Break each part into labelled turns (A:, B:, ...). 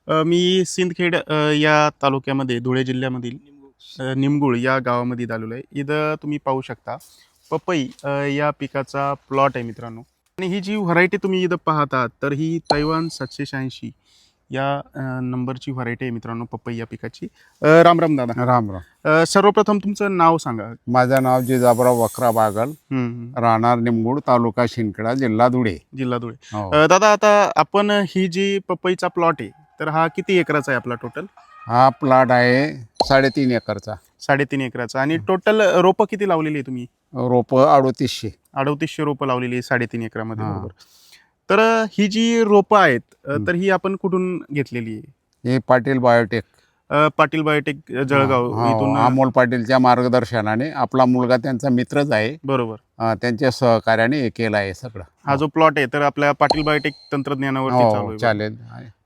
A: मी सिंदखेड या तालुक्यामध्ये धुळे जिल्ह्यामधील निमगुळ या गावामध्ये आलेलो आहे. इथं तुम्ही पाहू शकता पपई या पिकाचा प्लॉट आहे मित्रांनो. आणि ही जी व्हरायटी तुम्ही इथं पाहता तर ही तैवान 786 या नंबरची व्हरायटी आहे मित्रांनो पपई या पिकाची. राम राम दादा.
B: राम राम.
A: सर्वप्रथम तुमचं नाव सांगा.
B: माझं नाव जिजाबराव वक्रा बागल, राहणार निमगुड, तालुका शिंदखेडा, जिल्हा धुळे.
A: जिल्हा धुळे.
B: हो.
A: दादा आता आपण ही जी पपईचा प्लॉट आहे तर हा किती एकराचा आहे आपला टोटल?
B: हा प्लॉट आहे 3.5 एकरचा.
A: 3.5 एकराचा. आणि टोटल रोपं किती लावलेली आहे तुम्ही?
B: रोप 3800.
A: 3800 रोपं लावलेली आहे 3.5 एकरामध्ये.
B: हा.
A: बरोबर. तर ही जी रोपं आहेत तर ही आपण कुठून घेतलेली आहे?
B: हे पाटील बायोटेक,
A: पाटील बायोटेक जळगाव इथून.
B: अमोल पाटीलच्या मार्गदर्शनाने, आपला मुलगा त्यांचा मित्रच आहे,
A: बरोबर.
B: त्यांच्या सहकार्याने हे केलं आहे सगळं.
A: हा जो प्लॉट आहे तर आपल्या पाटील बायोटेक तंत्रज्ञानावरती चालू
B: हो,
A: आहे.
B: चालेल.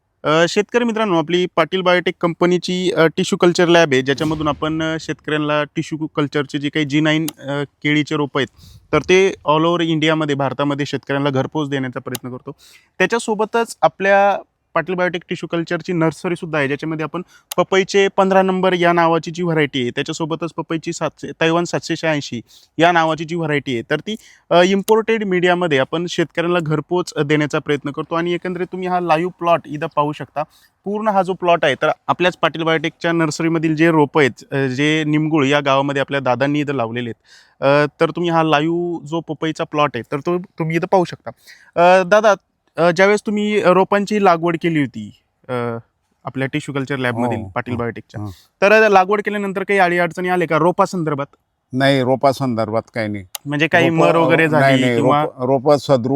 A: शेतकरी मित्रांनो, आपली पाटील बायोटेक कंपनीची टिश्यू कल्चर लॅब आहे, ज्याच्यामधून आपण शेतकऱ्यांना टिश्यू कल्चरचे जे काही G9 केळीचे रोपं आहेत तर ते ऑल ओव्हर इंडियामध्ये, भारतामध्ये शेतकऱ्यांना घरपोच देण्याचा प्रयत्न करतो. त्याच्यासोबतच आपल्या पाटील बायोटेक टिश्यू कल्चरची नर्सरीसुद्धा आहे, ज्याच्यामध्ये आपण पपईचे 15 नंबर या नावाची जी व्हरायटी आहे, त्याच्यासोबतच पपईची तैवान 786 या नावाची जी व्हरायटी आहे तर ती इम्पोर्टेड मीडियामध्ये आपण शेतकऱ्यांना घरपोच देण्याचा प्रयत्न करतो. आणि एकंदरीत तुम्ही हा लाईव्ह प्लॉट इथं पाहू शकता. पूर्ण हा जो प्लॉट आहे तर आपल्याच पाटील बायोटेकच्या नर्सरीमधील जे रोपं आहेत, जे निमगुळ या गावामध्ये आपल्या दादांनी इथं लावलेले आहेत, तर तुम्ही हा लाईव्ह जो पपईचा प्लॉट आहे तर तो तुम्ही इथं पाहू शकता. दादा, ज्यावेळेस तुम्ही रोपांची लागवड केली होती आपल्या टिश्यू कल्चर लॅबमधील पाटील बायोटेकच्या, तर लागवड केल्यानंतर काही अडीअडचणी आले का रोपा संदर्भात?
B: नाही, रोपा संदर्भात काही नाही.
A: म्हणजे काही मर वगैरे झाली किंवा
B: रोप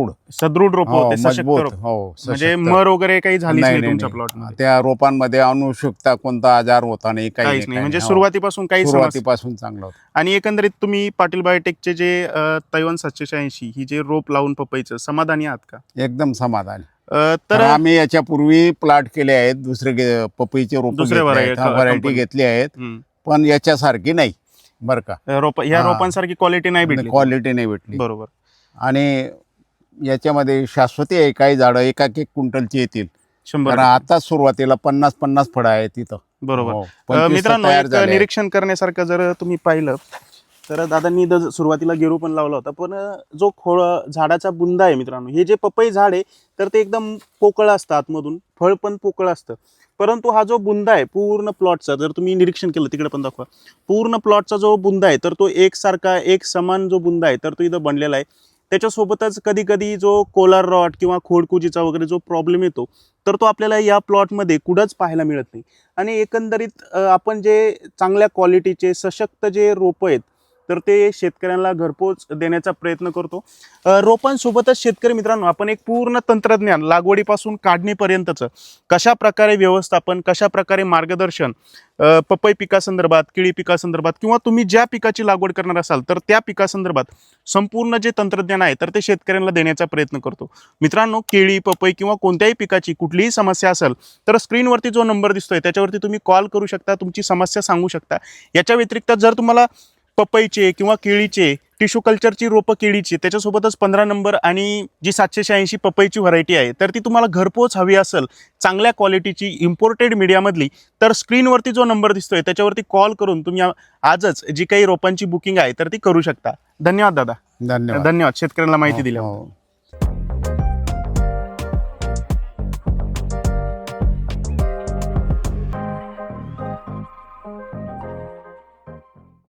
B: सदृढ
A: रोप होते, सशक्त
B: मजबूत.
A: रोप,
B: हो,
A: म्हणजे मर वगैरे काही झालीच नाही तुमच्या
B: नाही.
A: प्लॉटमध्ये?
B: त्या रोपांमध्ये अनुषुकता कोणता आजार होता नाही,
A: काहीच नाही. म्हणजे
B: हो.
A: सुरुवातीपासून काही
B: सुरुवातीपासून चांगलं होतं.
A: आणि एकंदरीत तुम्ही पाटील बायोटेकचे जे तैवान 786 ही जे रोप लावून पपईचं समाधानी आहात का?
B: एकदम समाधान.
A: तर
B: आम्ही याच्यापूर्वी प्लॉट केले आहेत, दुसरे पपईचे रोप,
A: दुसरे
B: व्हरायटी घेतली आहेत, पण याच्यासारखी नाही बरं का.
A: ह्या रोपांसारखी क्वालिटी नाही भेटली.
B: क्वालिटी नाही भेटली.
A: बरोबर.
B: आणि याच्यामध्ये शाश्वती आहे, काही झाडं एक क्विंटलची येतील.
A: 100.
B: आता सुरुवातीला 50 फळं आहेत तिथं.
A: बरोबर.
B: हो, 25
A: मित्रांनो,
B: तयार
A: एक
B: झाले.
A: निरीक्षण करण्यासारखं जर तुम्ही पाहिलं तर दादांनी सुरुवातीला गेरू पण लावला होता, पण जो झाडाचा बुंदा आहे मित्रांनो, हे जे पपई झाड आहे तर ते एकदम पोकळ असतं आतमधून, फळ पण पोकळ असतं. परंतु हा जो बुंदा आहे पूर्ण प्लॉटचा, जर तुम्ही निरीक्षण केलं, तिकडे पण दाखवा, पूर्ण प्लॉटचा जो बुंदा आहे तर तो एकसारखा, एक समान जो बुंदा आहे तर तो इथं बनलेला आहे. त्याच्यासोबतच कधी कधी जो कोलार रॉट किंवा खोडकुजीचा वगैरे जो प्रॉब्लेम येतो तर तो आपल्याला या प्लॉटमध्ये कुठंच पाहायला मिळत नाही. आणि एकंदरीत आपण जे चांगल्या क्वालिटीचे सशक्त जे रोपं आहेत तर ते शेतकऱ्यांना घरपोच देण्याचा प्रयत्न करतो. रोपांसोबतच शेतकरी मित्रांनो, आपण एक पूर्ण तंत्रज्ञान लागवडीपासून काढणीपर्यंतचं कशा प्रकारे व्यवस्थापन, कशा प्रकारे मार्गदर्शन पपई पिकासंदर्भात, केळी पिकासंदर्भात किंवा तुम्ही ज्या पिकाची लागवड करणार असाल तर त्या पिकासंदर्भात संपूर्ण जे तंत्रज्ञान आहे तर ते शेतकऱ्यांना देण्याचा प्रयत्न करतो. मित्रांनो, केळी, पपई किंवा कोणत्याही पिकाची कुठलीही समस्या असेल तर स्क्रीनवरती जो नंबर दिसतोय त्याच्यावरती तुम्ही कॉल करू शकता, तुमची समस्या सांगू शकता. याच्या व्यतिरिक्त जर तुम्हाला पपईचे किंवा केळीचे टिश्यू कल्चरची रोपं केळीची, त्याच्यासोबतच 15 नंबर आणि जी 786 पपईची व्हरायटी आहे तर ती तुम्हाला घरपोच हवी असेल, चांगल्या क्वालिटीची इम्पोर्टेड मीडियामधली, तर स्क्रीनवरती जो नंबर दिसतोय त्याच्यावरती कॉल करून तुम्ही आजच जी काही रोपांची बुकिंग आहे तर ती करू शकता. धन्यवाद दादा.
B: धन्यवाद.
A: धन्यवाद शेतकऱ्यांना माहिती दिल्याबद्दल.